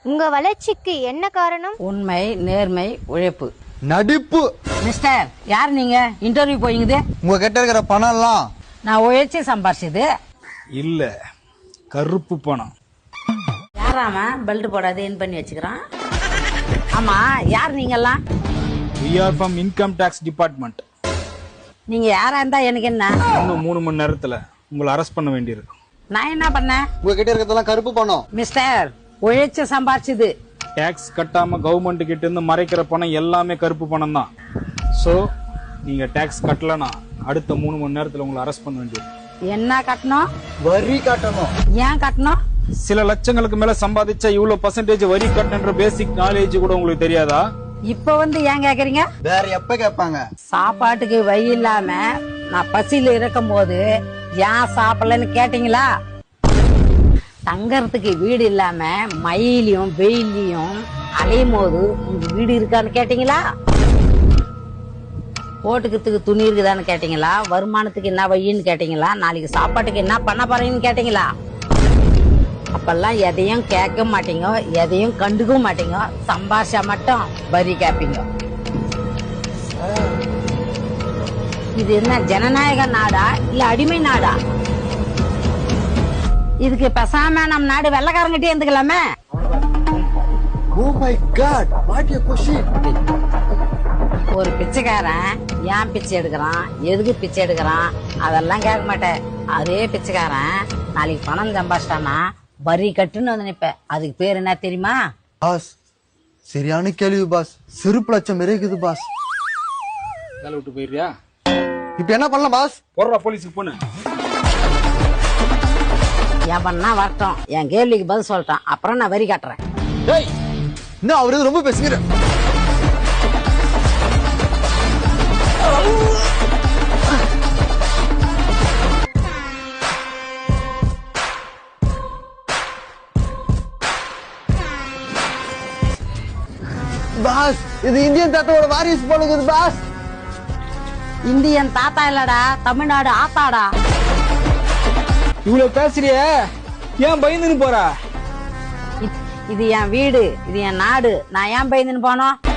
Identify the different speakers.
Speaker 1: உங்க வளர்ச்சிக்கு என்ன காரணம்?
Speaker 2: உண்மை, நேர்மை, உழைப்பு.
Speaker 3: நடிப்பு.
Speaker 2: மிஸ்டர், யார் நீங்க? இன்டர்வியூ போயிங்குது.
Speaker 3: உங்க கிட்ட இருக்கிற பணம் எல்லாம்
Speaker 2: நான் உழைச்சி சம்பாரிச்சது
Speaker 4: இல்ல, கருப்பு பணம்.
Speaker 2: யாராம பெல்ட் போடாது என் பண்ணி வச்சுக்கிறான். ஆமா, யார் நீங்கெல்லாம்?
Speaker 4: We are from income tax department.
Speaker 2: நீங்க யாரா இருந்தா எனக்கு என்ன?
Speaker 4: இன்னும் 3 மணி நேரத்துல உங்களை அரெஸ்ட் பண்ண வேண்டியிருக்கு.
Speaker 2: நான் என்ன பண்ணேன்?
Speaker 3: உங்க கிட்ட இருக்கிறதெல்லாம் கருப்பு பணம்.
Speaker 2: மிஸ்டர், உழைச்சு சம்பாரிச்சது.
Speaker 4: டாக்ஸ் கட்டாம கவர்மெண்ட் கிட்ட இருந்து மறைக்கிற பணம் எல்லாமே கருப்பு பணம் தான். சோ நீங்க டாக்ஸ் கட்டலனா அடுத்த 3 மணி நேரத்துல உங்களை அரெஸ்ட் பண்ண வேண்டியிருக்கு.
Speaker 2: என்ன கட்டணும்?
Speaker 3: வரி கட்டணும்.
Speaker 2: ஏன் கட்டணும்?
Speaker 4: சில லட்சங்களுக்கு மேல சம்பாதிச்சா இவ்வளவு பர்சன்டேஜ் வரி கட்டணுன்ற பேசிக் நாலேஜ் கூட உங்களுக்கு தெரியாதா?
Speaker 2: இப்ப வந்து ஏன் கேக்குறீங்க?
Speaker 3: வேற எப்ப கேட்பாங்க?
Speaker 2: சாப்பாட்டுக்கு வழி இல்லாம நான் பசியில இருக்கும் போது ஏன் சாப்பிடலன்னு கேட்டீங்களா? தங்கறதுக்கு வீடு இல்லாம மயிலையும் வெயிலையும் அலையும் போது உங்க வீடு இருக்கான்னு கேட்டீங்களா? போட்டுக்கிறதுக்கு துணி இருக்குதான்னு கேட்டீங்களா? வருமானத்துக்கு என்ன வழின்னு கேட்டீங்களா? நாளைக்கு சாப்பாட்டுக்கு என்ன பண்ண போறீங்கன்னு கேட்டீங்களா? அப்பெல்லாம் எதையும் கேட்க மாட்டீங்க, எதையும் கண்டுக்க மாட்டீங்க. சம்பாஷா மட்டும் வரி கேப்பீங்க. இது என்ன ஜனநாயக நாடா இல்ல அடிமை நாடா? இதுக்கு பேசாம நம்ம நாடு வெள்ளக்காரங்கிட்டே இருந்துக்கலாமே.
Speaker 3: Oh my god, what a question.
Speaker 2: ஒரு பிச்சைக்காரன் ஏன் பிச்சை எடுக்கிறான், எதுக்கு பிச்சை எடுக்கிறான் அதெல்லாம் கேட்க மாட்டேன். அதே பிச்சைக்காரன் நாளைக்கு பணம் சம்பாதிச்சிட்டானா வரி கட்டுன்னு வந்து நிப்ப. அதுக்கு பேர் என்ன தெரியுமா?
Speaker 3: பாஸ், சரியான கேள்வி பாஸ். செருப்பு லட்சம் இருக்குது பாஸ்.
Speaker 4: வேலை விட்டு போயிடுறியா?
Speaker 3: இப்ப என்ன பண்ணலாம் பாஸ்?
Speaker 4: போடுறா போலீஸுக்கு போன.
Speaker 2: என் பண்ணா வரட்டும், என் கேள்விக்கு பதில் சொல்லிட்டான், அப்புறம் நான் வரி கட்டுறேன்.
Speaker 3: டேய், என்ன அவரு ரொம்ப பேசுகிற? பாஸ், இது இந்தியன் தாத்தாவோட வாரிசு போலுக்குது பாஸ்.
Speaker 2: இந்தியன் தாத்தா இல்லடா, தமிழ்நாடு ஆத்தாடா.
Speaker 4: இவ்வளவு பேசுறிய ஏன் பயந்துன்னு போற?
Speaker 2: இது என் வீடு, இது என் நாடு. நான் ஏன் பயந்துன்னு போனோம்?